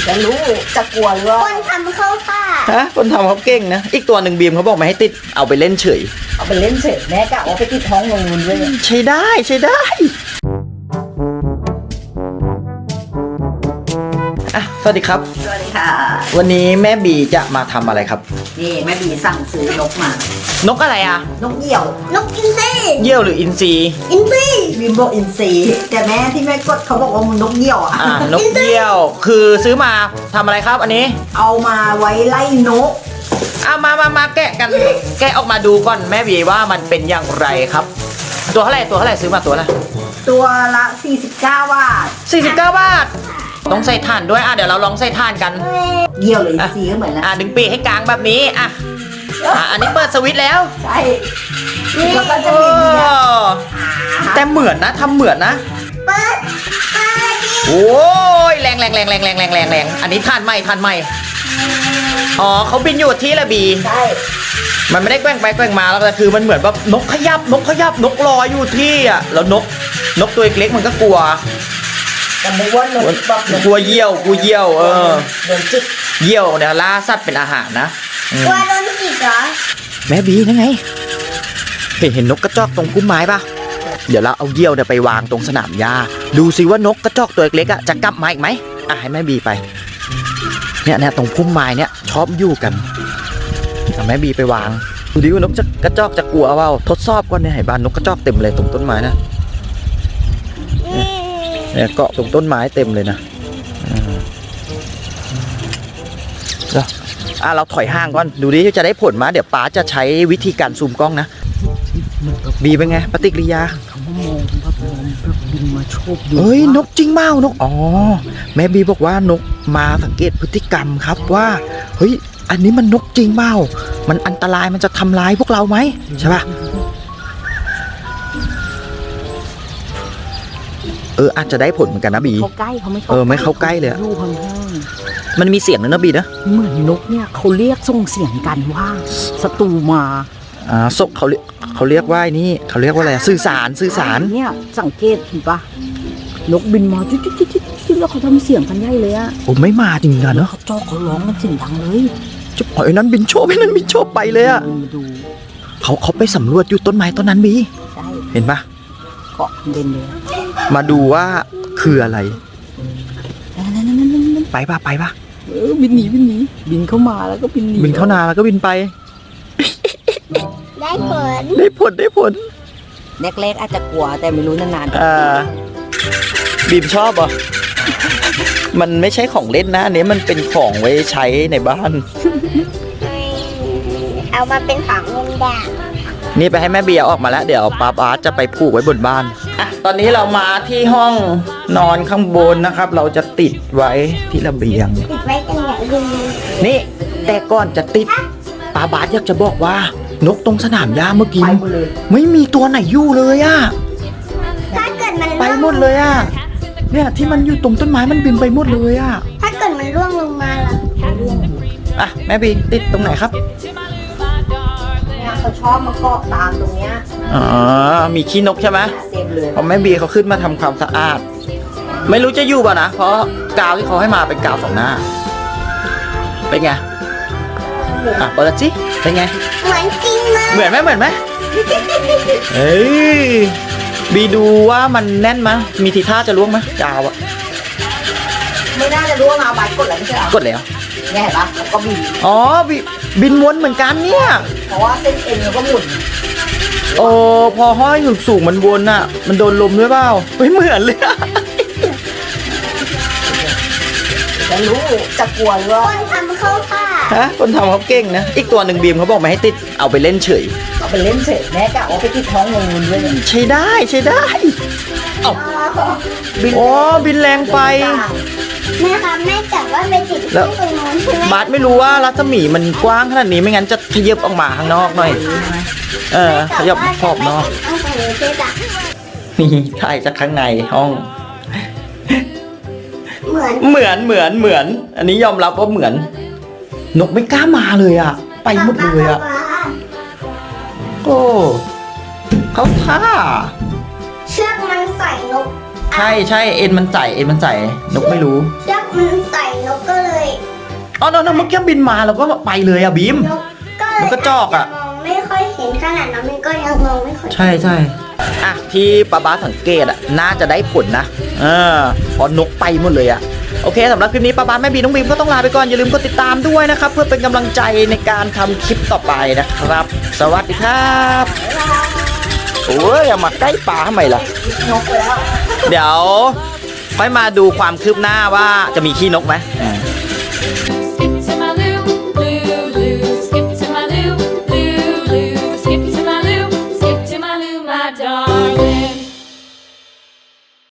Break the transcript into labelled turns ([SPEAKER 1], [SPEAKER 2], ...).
[SPEAKER 1] จะรู้จะกลัวหรือว่า
[SPEAKER 2] คนทำเข้าท่า
[SPEAKER 3] ฮะคนทำเขาเก่งนะอีกตัวหนึ่งบีมเขาบอกไม่ให้ติดเอาไปเล่นเฉย
[SPEAKER 1] เอาไปเล่นเฉยแม่กะว่าไปติดท้องลงนุนด้วย
[SPEAKER 3] ใช้ได้ใช้ได้สวัสดีครับ
[SPEAKER 1] สวัสดีค่ะ
[SPEAKER 3] วันนี้แม่บีจะมาทำอะไรครับ
[SPEAKER 1] นี่แม่บีสั่งซื้อนกมาน
[SPEAKER 3] กอะไรอ่ะ
[SPEAKER 1] นกเหยี่ยวน
[SPEAKER 2] กอินทรี
[SPEAKER 3] เยี่ยวหรืออินทรี
[SPEAKER 2] อินทรี
[SPEAKER 1] บีมบอกอินทรีแต่แม่ที่แม่กดเขาบอกว่ามันนกเหยี่ยวอ่ะ
[SPEAKER 3] นกเยี่ยวคือซื้อมาทำอะไรครับอันนี้
[SPEAKER 1] เอามาไว้ไล่นก
[SPEAKER 3] มาแกะกันแกะออกมาดูก่อนแม่บีว่ามันเป็นอย่างไรครับตัวเท่าไหร่ซื้อมาตัวละ
[SPEAKER 1] ตัวละ49 บาท
[SPEAKER 3] 49 บาทต้องใส่ถ่านด้วยเดี๋ยวเราลองใส่ถ่านกัน
[SPEAKER 1] เหยี่ยวหรืออินทรีก็เหมือนนะ
[SPEAKER 3] ดึงปีกให้กลางแบบนี้อันนี้เปิดสวิตช์แล้ว
[SPEAKER 1] ใช่แล้วก็จะมี
[SPEAKER 3] แต่เหมือนนะทำเหมือนนะ
[SPEAKER 2] เปิด
[SPEAKER 3] โอ้ยแรงอันนี้ถ่านใหม่อ๋อเขาบินอยู่ที่ละบี
[SPEAKER 1] ใช่
[SPEAKER 3] มันไม่ได้แกว่งไปแกว่งมาแล้วแต่คือมันเหมือนแบบนกขยับนกลอยอยู่ที่แล้วนกตัวเล็กๆมันก็กลัว
[SPEAKER 1] แต่ไม่ว่านกแบบ
[SPEAKER 3] กลัวเยี่ยว
[SPEAKER 1] โดนจิก
[SPEAKER 3] เยี่ยวเนี่ยล่าสัตว์เป็นอาหารนะ
[SPEAKER 2] กลัวโดนจิกเหรอ
[SPEAKER 3] แม่บีนั่นไงเห็นนกกระจอกตรงพุ่มไม้ปะเดี๋ยวเราเอาเยี่ยวเนี่ยไปวางตรงสนามหญ้าดูซิว่านกกระจอกตัวเล็กๆจะกลับมาอีกไหมให้แม่บีไปเนี่ยตรงพุ่มไม้เนี่ยชอบอยู่กันเอาแม่บีไปวางดูดิว่านกกระจอกจะกลัวเปล่าทดสอบก่อนเนี่ยเห็นบ้านนกกระจอกเต็มเลยตรงต้นไม้นะเนี่ยเกาะตรงต้นไม้เต็มเลยนะเราถอยห่างก่อนดูดิจะได้ผลมาเดี๋ยวป๋าจะใช้วิธีการซูมกล้องนะบีเป็นไงปฏิกิริยา
[SPEAKER 1] เขามองแบบบินมาโชบ
[SPEAKER 3] เฮ้ยนกจริงเปล่านกแม่บีบอกว่านกมาสังเกตพฤติกรรมครับว่าเฮ้ยอันนี้มันนกจริงเปล่ามันอันตรายมันจะทำร้ายพวกเราไหมใช่ป่ะอาจจะได้ผลเหมือนกันนะบี
[SPEAKER 1] เขาใกล้เขาไม่เข้า
[SPEAKER 3] ไม่เข้าใกล้เลยมันมีเสียงนะบีนะ
[SPEAKER 1] เหมือนนกเนี่ยเขาเรียกส่งเสียงกันว่าศัตรูมา
[SPEAKER 3] ศพเขาเรียกว่านี่เขาเรียกว่าอะไรสื่อสาร
[SPEAKER 1] เนี่ยสังเกตเห็นปะนกบินมาจิ๊ดแล้วเขาทำเสียงกันใหญ่เลย
[SPEAKER 3] ไม่มาจริงนะเนาะ
[SPEAKER 1] เขาจ้องเขาร้องกันเสียงดังเลย
[SPEAKER 3] จะปล่อยนั้นบินโชว์ไปเลยเขาไปสำรวจอยู่ต้นไม้ต้นนั้นบีเห็นปะ
[SPEAKER 1] เกาะเด่นเลย
[SPEAKER 3] มาดูว่าคืออะไรไปปะ
[SPEAKER 1] บินหนีบินเข้ามาแล้วก็บินหนี
[SPEAKER 3] บินเข้านาแล้วก็บินไป
[SPEAKER 2] ได้
[SPEAKER 3] ผล
[SPEAKER 1] แรกอาจจะกลัวแต่ไม่รู้นาน
[SPEAKER 3] ๆบีมชอบมันไม่ใช่ของเล่นนะอันนี้มันเป็นของไว้ใช้ในบ้าน
[SPEAKER 2] เอามาเป็นของเล่นได้
[SPEAKER 3] นี่ไปให้แม่เบียร์ออกมาแล้วเดี๋ยวป้าบาสจะไปผูกไว้บนบ้านตอนนี้เรามาที่ห้องนอนข้างบนนะครับเราจะติดไว้ที่ระเบียง
[SPEAKER 2] ติดไว้ตรงไหนดี
[SPEAKER 3] นี่แต่ก่อนจะติดป้าบาสอยากจะบอกว่านกตรงสนามหญ้าเมื่อกี้ไม่มีตัวไหนอยู่เลย
[SPEAKER 2] ถ้าเกิดมัน
[SPEAKER 3] ไปหมดเลยเนี่ยที่มันอยู่ตรงต้นไม้มันบินไปหมดเลย
[SPEAKER 2] ถ้าเกิดมันร่วงลงมาล่ะ
[SPEAKER 3] แม่บีติดตรงไหนครับ
[SPEAKER 1] เขาชอบมาเกาะตามตรงเนี้ย
[SPEAKER 3] มีขี้นกใช่ไหม
[SPEAKER 1] เต็มเลย
[SPEAKER 3] เพราะแม่บีเขาขึ้นมาทำความสะอาดไม่รู้จะอยู่ป่ะนะเพราะกาวที่เขาให้มาเป็นกาว2 หน้าเป็นไงเปิดสิเป็นไง
[SPEAKER 2] เหมือนจริงเลย
[SPEAKER 3] เหมือนไหมเฮ้ยบีดูว่ามันแน่นมั้ยมีทีท่าจะล่วงไหมกาว
[SPEAKER 1] ไม่น่าจะล่วงใบกดแล้วไม่ใช่
[SPEAKER 3] กดแล้ว
[SPEAKER 1] เนี่ยเห็นปะแล้วก็
[SPEAKER 3] บินวนเหมือนกันเนี่ย
[SPEAKER 1] เพราะว่าเส้นเอ็นมันก็หมุน
[SPEAKER 3] พอห้อยสูงมันวนมันโดนลมด้วยเปล่าไม่เหมือนเลย
[SPEAKER 1] จะรู้จะกลัวหรือว่า
[SPEAKER 2] คนทำเข้าท่า
[SPEAKER 3] คนทำเขาเก่งนะอีกตัวหนึ่งบีมเขาบอกไม่ให้ติดเอาไปเล่นเฉย
[SPEAKER 1] แม่กะว่าไปติดท้องงูด้วย
[SPEAKER 3] ใช้ได้บินแรงไป
[SPEAKER 2] แม่ครับแม่จับว่าไปติดที่ตรงนู้นใช่ไหม
[SPEAKER 3] บาสไม่รู้ว่ารัศมีมันกว้างขนาดนี้ไม่งั้นจะขยับออกมาข้างนอกหน่อยขยับขอบนอกนี่ถ่ายจากข้างในห้องเหมือนอันนี้ยอมรับว่าเหมือนนกไม่กล้ามาเลยไปหมดเลยเขาท่า
[SPEAKER 2] เชือกมันใส่นก
[SPEAKER 3] ใช่เอ็นมันใส่นกไม่รู้
[SPEAKER 2] เชือกมันใส่นกก็เล
[SPEAKER 3] อ๋อเมื่อกี้บินมาเราก็ไปเลยอะบีม นกกระจอกอะ
[SPEAKER 2] มองไม่ค่อยเห็นขนาดน้องมินก็ยังมองไม่ค่อย
[SPEAKER 3] ใช่อ่ะที่ป้าสังเกตอะน่าจะได้ผลนะเพอนกไปหมดเลยอะโอเคสำหรับคลิปนี้ป้าแม่บีน้องบีมก็ต้องลาไปก่อนอย่าลืมกดติดตามด้วยนะครับเพื่อเป็นกำลังใจในการทำคลิปต่อไปนะครับ สวัสดีครับโอ้ยอย่ามาใกล้ปลาทำไมล่ะ
[SPEAKER 1] นกไปแล้ว
[SPEAKER 3] เดี๋ยวค่อยมาดูความคืบหน้าว่าจะมีขี้นกไหม